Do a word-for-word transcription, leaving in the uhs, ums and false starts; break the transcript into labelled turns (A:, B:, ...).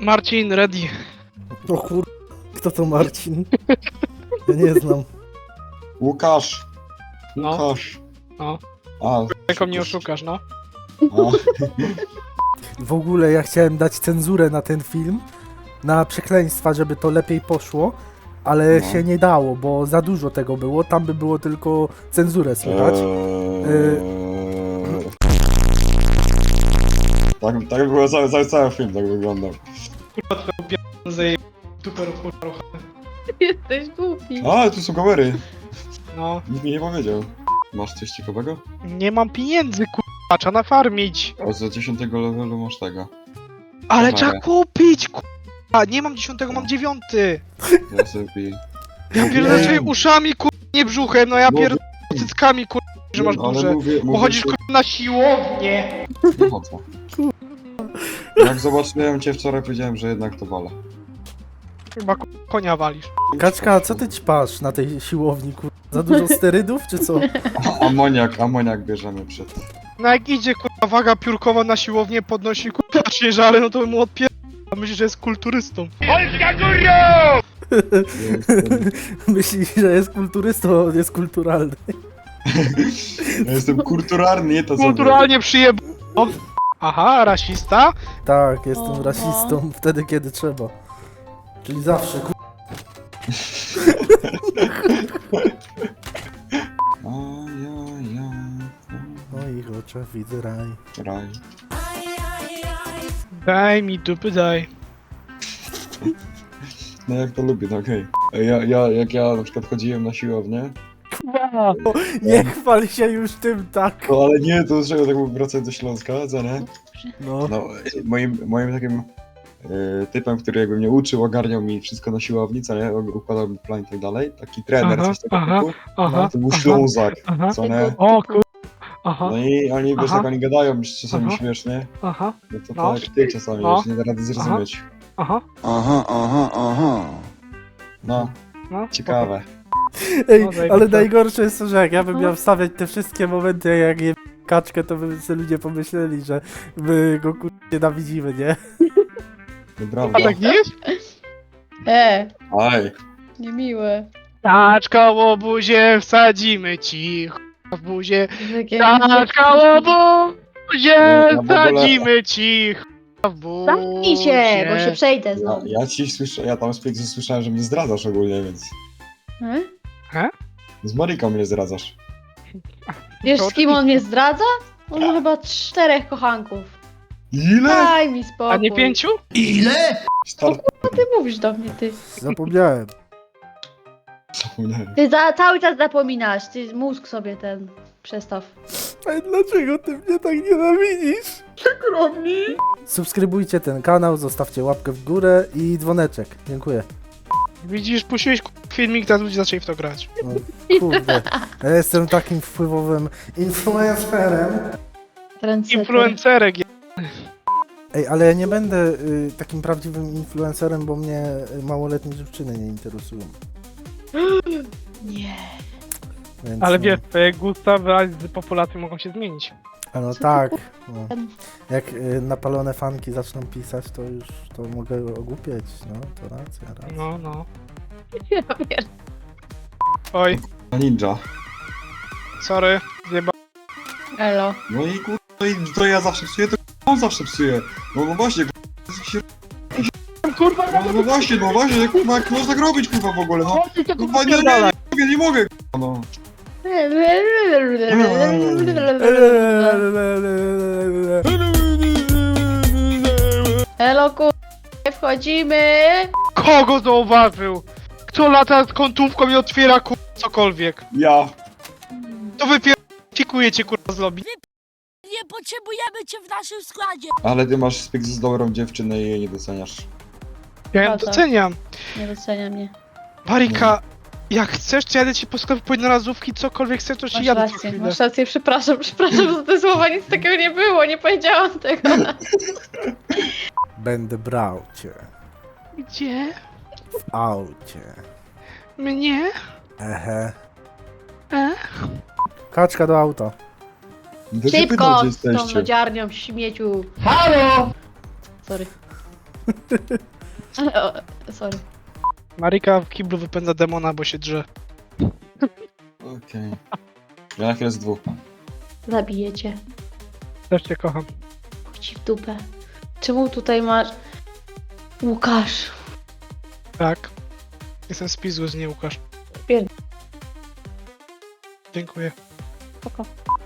A: Marcin, ready.
B: O kur... Kto to Marcin? Ja nie znam.
C: Łukasz!
A: No.
C: Łukasz!
A: No.
C: A,
A: Jaką mnie oszukasz, no?
C: a.
B: W ogóle ja chciałem dać cenzurę na ten film, na przekleństwa, żeby to lepiej poszło, ale
C: No.
B: się nie dało, bo za dużo tego było, tam by było tylko cenzurę słychać.
C: Eee... Tak, tak było cały, cały, cały film, tak wyglądał.
A: Kurwa, twoją pierdolę zaje... Super kurwa.
D: Jesteś głupi.
C: A, tu są kamery!
A: No.
C: Nikt mi nie powiedział. Masz coś ciekawego?
A: Nie mam pieniędzy, kurwa, trzeba nafarmić.
C: O, za dziesiątego levelu masz tego.
A: Ale
C: Kamerę.
A: trzeba kupić, kurwa. Nie mam dziesiątego, mam dziewiąty.
C: Ja sobie piję.
A: Ja pierdolę
B: Ej.
A: swoimi uszami, kurwa, nie brzuchem, no ja
C: No,
A: pierdolę cyckami, kurwa, że masz
C: ale
A: duże.
C: mówię, mówię,
A: Pochodzisz,
C: że-
A: kurwa, na siłownię.
C: Nie chodzę. Jak zobaczyłem cię wczoraj, powiedziałem, że jednak to wale.
A: Chyba kurwa, konia walisz.
B: Kaczka, co ty ćpasz na tej siłowni, kur... Za dużo sterydów, czy co?
C: Amoniak, amoniak bierzemy przed.
A: No jak idzie, kurwa, waga piórkowa na siłownię, podnosi, kurwa, ciężary, no to mu odpier... A myślisz, że jest kulturystą.
B: Myślisz, że jest kulturystą, on jest kulturalny.
C: Ja jestem kulturalny, nie to co
A: Kulturalnie przyjeb... Aha, rasista?
B: Tak, jestem
D: Oho.
B: rasistą wtedy, kiedy trzeba. Czyli zawsze, kur...
C: A ja, ja,
B: W moich oczach widzę raj.
C: raj.
A: Daj mi dupy, daj.
C: No jak to lubię, no okej. Okay. Ja, ja, jak ja na przykład chodziłem na siłownię,
B: Nie chwal się już tym tak.
C: no ale nie, to trzeba tak wracać do Śląska, co nie?
B: No.
C: No, moim, moim takim e, typem, który jakby mnie uczył, ogarniał mi wszystko na siłowni, co nie? Układał mi plan i tak dalej, taki trener,
A: Aha,
C: coś takiego
A: aha,
C: typu,
A: Aha,
C: to był
A: aha,
C: Ślązak,
A: aha.
C: co nie?
A: O kur... Aha,
C: No i oni, wiesz,
A: Aha.
C: jak oni gadają czasami
A: Aha.
C: śmiesznie,
A: aha,
C: no to
A: No.
C: tak jak ty czasami,
A: No.
C: wiesz, nie da rady zrozumieć.
A: aha.
E: Aha, aha, aha.
C: No,
A: No,
C: ciekawe.
B: Ej,
A: No, zajebiste.
B: ale najgorsze jest to, że jak ja bym
D: No.
B: miał wstawiać te wszystkie momenty, jak je kaczkę, to by sobie ludzie pomyśleli, że my go kur... nienawidzimy, nie?
C: No
A: A
C: prawda.
A: tak nie jest?
D: E,
C: Aj,
D: niemiłe.
A: Taczka łobuzie, wsadzimy ci ch- w buzie.
D: Takie...
A: Taczka łobuzie,
C: No, w ogóle-
A: wsadzimy ci ch- w buzie.
D: Zamknij się, bo się przejdę
C: ja,
D: znowu.
C: ja ci słyszę, ja tam z Pixel słyszałem, że mnie zdradzasz ogólnie, więc
D: E?
C: z Mariką mnie zdradzasz.
D: Wiesz,
A: To
D: z kim on mnie zdradza? On ma chyba czterech kochanków.
C: Ile?
D: Daj mi spokój.
A: A nie pięciu?
C: Start
D: Co ty mówisz do mnie, ty?
B: Zapomniałem.
C: zapomniałem.
D: Ty za, cały czas zapominasz, ty mózg sobie ten przestaw.
B: Ale dlaczego ty mnie tak nienawidzisz? Przykro mi. Subskrybujcie ten kanał, zostawcie łapkę w górę i dzwoneczek. Dziękuję.
A: Widzisz, puściłeś k- filmik, teraz ludzie zaczęli w to grać.
B: No, kurde. Ja jestem takim wpływowym influencerem.
D: Trendsetter.
A: Influencerek. je-
B: Ej, ale ja nie będę y, takim prawdziwym influencerem, bo mnie y, małoletnie dziewczyny nie interesują.
D: Nie.
B: Więc,
A: Ale
B: no.
A: wiesz, twoje gusta wraz z populacją mogą się zmienić.
B: A no
D: Co ty
B: tak. No. Jak y, napalone fanki zaczną pisać, to już to mogę ogłupieć. No, to racja, racja.
A: No, no.
D: Ja pier...
A: Oj,
C: Ninja.
A: sorry, zjeba...
D: Elo.
C: No i kur... No i to ja zawsze psuję, to on zawsze psuje. No, no właśnie, kur... się...
A: Kurwa,
C: no, no właśnie, no właśnie, kurwa, jak można tak robić, kurwa, w ogóle, no. Kurwa, nie, nie, nie mogę, nie mogę, kurwa, no.
D: Elo, kur... Wchodzimy.
A: Kogo zauważył? Kto lata z kątówką i otwiera kur... cokolwiek?
C: Ja.
A: To wypierfikujecie kurwa z lobby.
F: Nie potrzebujemy cię w naszym składzie.
C: Ale ty masz styk z dobrą dziewczynę i jej nie doceniasz.
A: Ja ją
D: Prawda.
A: doceniam.
D: Nie docenia mnie.
A: Marika, jak chcesz, to jadę ci po sklepie po jednorazówki, cokolwiek chcesz, to ci
D: Masz
A: jadę co
D: rację,
A: chwilę.
D: masz rację, przepraszam, przepraszam za te słowa, nic takiego nie było, nie powiedziałam tego.
B: Będę brał cię
A: Gdzie?
B: w aucie.
A: Mnie?
B: Ehe.
A: E?
B: Kaczka do auta.
C: To się pytam,
D: Szybko
C: gdzie
D: z tą
C: jesteście.
D: lodziarnią śmieciu. Halo! Sorry. O, sorry.
A: Marika w kiblu wypędza demona, bo się drze.
C: Okej. Ja na chwilę z dwóch.
D: Zabiję cię.
A: Też cię kocham.
D: Chuj ci w dupę. Czemu tutaj masz... Łukasz.
A: Tak. Jestem spizły z niej, Łukasz.
D: Pierd-
A: Dziękuję.
D: Spoko.